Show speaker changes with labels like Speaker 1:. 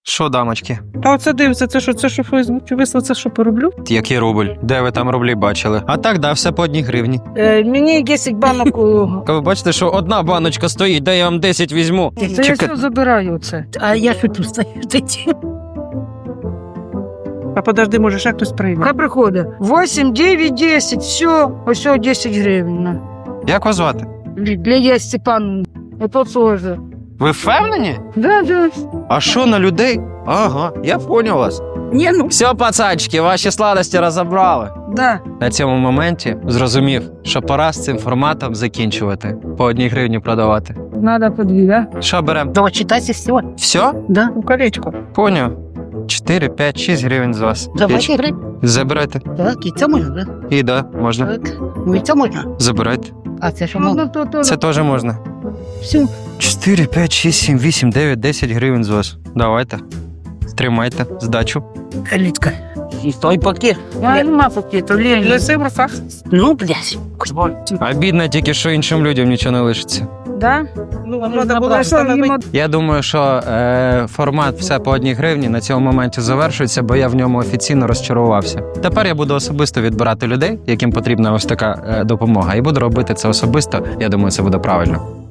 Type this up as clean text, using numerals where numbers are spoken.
Speaker 1: Що, дамочки?
Speaker 2: Та оце дивиться, це що Фейсбук вислав, це що пороблю?
Speaker 1: Який рубль? Де ви там рублі бачили? А так, да, все по 1 гривні.
Speaker 2: Мені 10 банок.
Speaker 1: Ви бачите, що одна баночка стоїть, де я вам 10 візьму.
Speaker 2: Це я все забираю це.
Speaker 3: А я що тут стою?
Speaker 2: А подожди, може ще хтось прийме.
Speaker 3: Хай приходить. 8, 9, 10, все. Ось 10 гривень. на.
Speaker 1: Як вас звати?
Speaker 3: Лідія Степановна. Это тоже.
Speaker 1: Ви впевнені?
Speaker 3: Да.
Speaker 1: А що на людей? Ага, я поняв вас.
Speaker 3: Не, ну,
Speaker 1: Все, пацанчики, ваші сладості розібрали.
Speaker 3: да.
Speaker 1: На цьому моменті зрозумів, що пора з цим форматом закінчувати. По 1 гривні продавати.
Speaker 3: Надо по 2, да?
Speaker 1: Що беремо?
Speaker 3: Да, читайте все.
Speaker 1: Все?
Speaker 3: Да.
Speaker 2: У колечко.
Speaker 1: Поняв. 4, 5, 6 гривень з вас.
Speaker 3: Давайте гривень.
Speaker 1: Забирайте.
Speaker 3: Так, і це можна, да?
Speaker 1: І да, можна.
Speaker 3: Так. Ну і це можна.
Speaker 1: Забирайте.
Speaker 3: А це що можна?
Speaker 1: Це теж можна.
Speaker 3: Все.
Speaker 1: 4, 5, 6, 7, 8, 9, 10 гривень з вас. Давайте. Тримайте, здачу.
Speaker 3: Калітка. І той пакет. Нема пакету, Лені.
Speaker 2: Лиси в руках.
Speaker 3: Ну, блядь.
Speaker 1: Обідно тільки, що іншим людям нічого не лишиться.
Speaker 3: Да?
Speaker 2: Ну, вам треба було встановити.
Speaker 1: Я думаю, що формат все по 1 гривні на цьому моменті завершується, бо я в ньому офіційно розчарувався. Тепер я буду особисто відбирати людей, яким потрібна ось така допомога, і буду робити це особисто. Я думаю, це буде правильно.